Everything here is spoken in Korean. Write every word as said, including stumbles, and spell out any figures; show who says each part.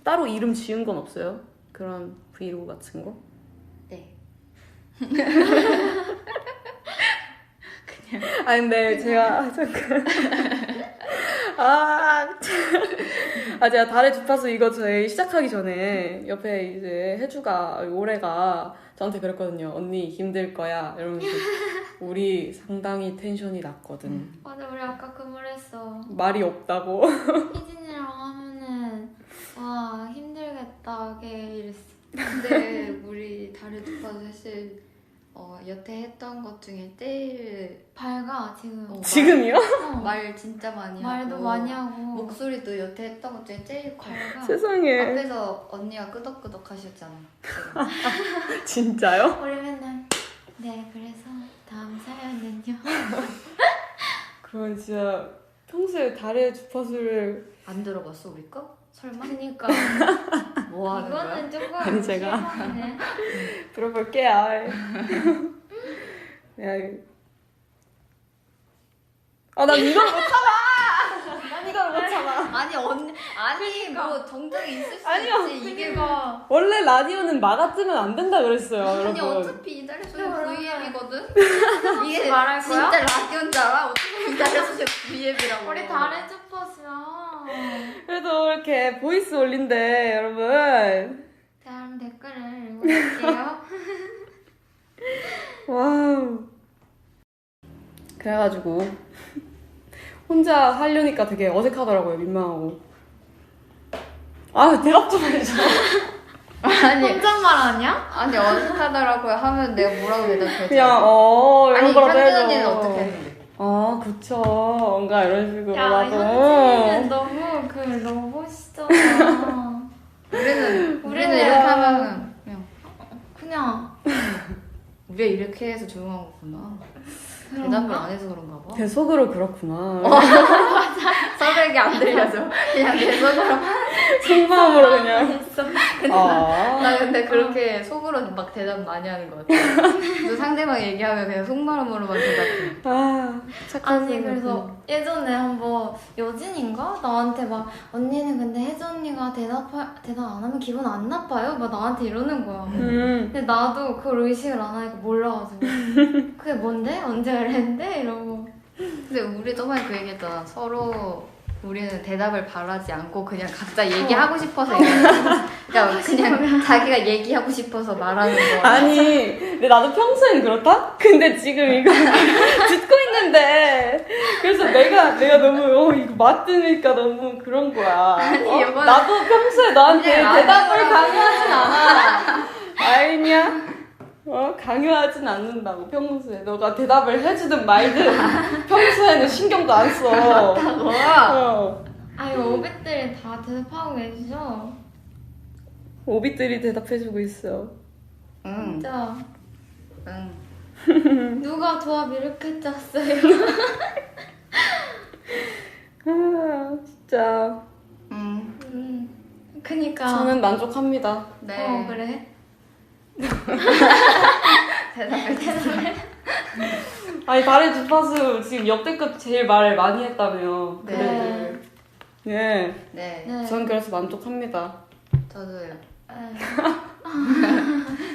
Speaker 1: 따로 이름 지은 건 없어요? 그런 브이로그 같은 거?
Speaker 2: 네.
Speaker 1: 아 근데 제가 아, 잠깐 아, 아 제가 달의 주파수 이거 저희 시작하기 전에 옆에 이제 혜주가 올해가 저한테 그랬거든요. 언니 힘들 거야 이러면서 우리 상당히 텐션이 낮거든.
Speaker 3: 맞아, 우리 아까 그 말 했어.
Speaker 1: 말이 없다고.
Speaker 3: 희진이랑 하면은 와 힘들겠다 걔 이랬어.
Speaker 2: 근데 우리 달의 주파수 사실 어, 여태 했던 것 중에 제일
Speaker 3: 밝아 지금.
Speaker 2: 어,
Speaker 1: 지금이요?
Speaker 3: 어,
Speaker 2: 말 진짜 많이
Speaker 3: 말도
Speaker 2: 하고
Speaker 3: 많이 하고.
Speaker 2: 목소리도 여태 했던 것 중에 제일 커.
Speaker 3: 밝아.
Speaker 1: 세상에.
Speaker 2: 앞에서 언니가 끄덕끄덕 하셨잖아.
Speaker 1: 진짜요?
Speaker 3: 우리 맨날 네 그래서 다음 사연은요.
Speaker 1: 그건 진짜 평소에 달의 주파수를
Speaker 2: 안 들어봤어 우리 거? 설마?
Speaker 3: 그니까
Speaker 2: 뭐 하는 거야?
Speaker 3: 이거는 조금
Speaker 1: 아니, 제가.
Speaker 3: 실망이네.
Speaker 1: 들어볼게요. 야, 아, 난 이걸 못 참아! 난 이걸 못 참아.
Speaker 2: 아니 언니 아니 뭐 정적이 있을 수
Speaker 1: 아니요.
Speaker 2: 있지 이게 뭐
Speaker 3: 그니까
Speaker 1: 원래 라디오는 막아뜨면 안 된다 그랬어요,
Speaker 2: 아니
Speaker 1: 여러분.
Speaker 2: 어차피 이달의 소녀
Speaker 3: 그러면
Speaker 2: 브이앱이거든? 이게
Speaker 3: 말할 거야?
Speaker 2: 진짜 라디오인 줄 알아? 어떻게 이달의 소녀 브이앱이라고
Speaker 3: 우리 달의 주파수야.
Speaker 1: 그래도 이렇게 보이스 올린대, 여러분.
Speaker 3: 다음 댓글을 읽어볼게요.
Speaker 1: 와우. 그래가지고 혼자 하려니까 되게 어색하더라고요, 민망하고. 아, 대답 좀 해줘.
Speaker 2: 아니
Speaker 3: 혼잣말 아니야?
Speaker 2: 아니 어색하더라고요 하면 내가 뭐라고 대답해야
Speaker 1: 그냥 어 이런
Speaker 2: 아니
Speaker 1: 거라도
Speaker 2: 현진
Speaker 1: 해줘.
Speaker 2: 언니는 어떻게 했는데?
Speaker 1: 아 그쵸. 뭔가 이런 식으로
Speaker 3: 야
Speaker 1: 나도.
Speaker 3: 현진이는 너무 그 로봇이잖아.
Speaker 2: 우리는 우리는
Speaker 3: 우리는
Speaker 2: 이렇게 하면은 그냥
Speaker 3: 그냥
Speaker 2: 우리가 이렇게 해서 조용한 거구나. 대답을 안 해서 그런가 봐.
Speaker 1: 내 속으로 그렇구나.
Speaker 2: 서로에게 안 들려서 그냥 내 속으로.
Speaker 1: 속마음으로 그냥.
Speaker 3: 있어.
Speaker 1: 아.
Speaker 2: 나 근데 그렇게 속으로 막 대답 많이 하는 것 같아. 또 상대방 얘기하면 그냥 속마음으로만 대답해.
Speaker 1: 아 착한
Speaker 3: 아니
Speaker 1: 생각.
Speaker 3: 그래서 예전에 한번 여진인가 나한테 막 언니는 근데 혜주 언니가 대답 대답 안 하면 기분 안 나빠요? 막 나한테 이러는 거야.
Speaker 1: 음.
Speaker 3: 근데 나도 그걸 의식을 안 하니까 몰라가지고 그게 뭔데? 언제 그랬는데? 이러고
Speaker 2: 근데 우리 저번에 그 얘기했잖아. 서로 우리는 대답을 바라지 않고 그냥 각자 얘기하고 싶어서 얘기하는 그러니까 그냥 자기가 얘기하고 싶어서 말하는 거.
Speaker 1: 아니 근데 나도 평소엔 그렇다? 근데 지금 이거 듣고 있는데 그래서 내가 내가 너무 어 이거 맞으니까 너무 그런 거야.
Speaker 2: 아니,
Speaker 1: 어?
Speaker 2: 이거는
Speaker 1: 나도 평소에 너한테
Speaker 2: 그냥
Speaker 1: 대답을
Speaker 2: 라디오라고.
Speaker 1: 강요하진 않아. 알냐? 어 강요하진 않는다고 평소에 너가 대답을 해주든 말든 평소에는 신경도 안 써. 어.
Speaker 3: 아니 오빛들이 다 대답하고 계시죠?
Speaker 1: 오빛들이 대답해주고 있어.
Speaker 2: 응.
Speaker 3: 진짜
Speaker 2: 응.
Speaker 3: 누가 조합 이렇게 짰어요?
Speaker 1: 아 진짜
Speaker 2: 응.
Speaker 3: 음, 그니까
Speaker 1: 저는 만족합니다.
Speaker 2: 네.
Speaker 3: 어 그래?
Speaker 2: 대답을 대답을.
Speaker 1: 아니 달의 주파수 지금 역대급 제일 말을 많이 했다며.
Speaker 2: 네.
Speaker 1: 그래도. 예.
Speaker 2: 네.
Speaker 3: 네.
Speaker 1: 전 그래서 만족합니다.
Speaker 2: 저도요.
Speaker 3: 네.